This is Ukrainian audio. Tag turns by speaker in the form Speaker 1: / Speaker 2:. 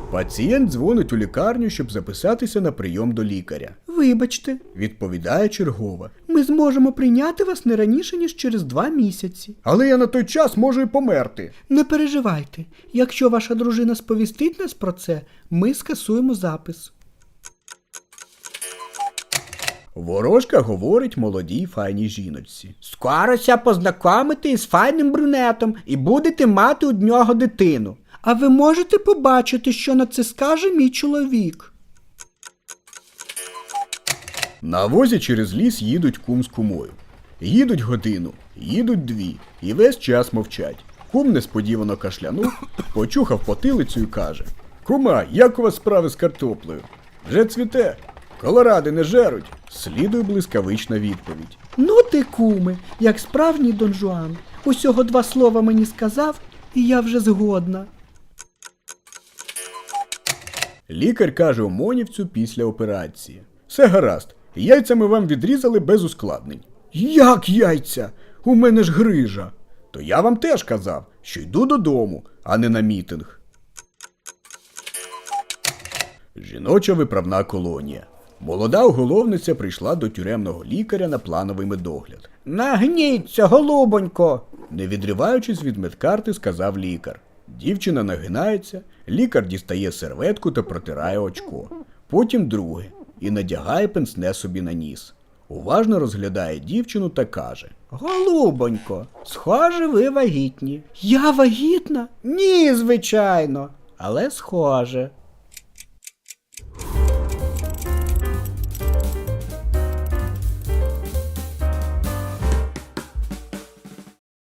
Speaker 1: Пацієнт дзвонить у лікарню, щоб записатися на прийом до лікаря.
Speaker 2: Вибачте,
Speaker 1: Відповідає чергова.
Speaker 2: ми зможемо прийняти вас не раніше, ніж через 2 місяці.
Speaker 1: Але я на той час можу і померти.
Speaker 2: Не переживайте, якщо ваша дружина сповістить нас про це, ми скасуємо запис.
Speaker 1: Ворожка говорить молодій файній жіночці.
Speaker 2: Скорося познайомити із файним брюнетом і будете мати у нього дитину. А ви можете побачити, що на це скаже мій чоловік.
Speaker 1: На возі через ліс їдуть кум з кумою. Їдуть годину, їдуть 2, і весь час мовчать. Кум несподівано кашлянув, почухав потилицю і каже: «Кума, як у вас справи з картоплею? Вже цвіте? Колоради не жеруть?» Слідує блискавична відповідь.
Speaker 2: Ну ти, куме, як справжній Дон Жуан. Усього 2 слова мені сказав, і я вже згодна.
Speaker 1: Лікар каже Омонівцю після операції: «Все гаразд, яйця ми вам відрізали без ускладнень». «Як яйця? У мене ж грижа». «То я вам теж казав, що йду додому, а не на мітинг». Жіноча виправна колонія. Молода уголовниця прийшла до тюремного лікаря на плановий медогляд.
Speaker 2: Нагніться, голубонько!
Speaker 1: Не відриваючись від медкарти, сказав лікар. Дівчина нагинається, лікар дістає серветку та протирає очко. Потім друге і надягає пенсне собі на ніс. Уважно розглядає дівчину та каже:
Speaker 2: Голубонько, схоже, ви вагітні. Я вагітна? Ні, звичайно, але схоже.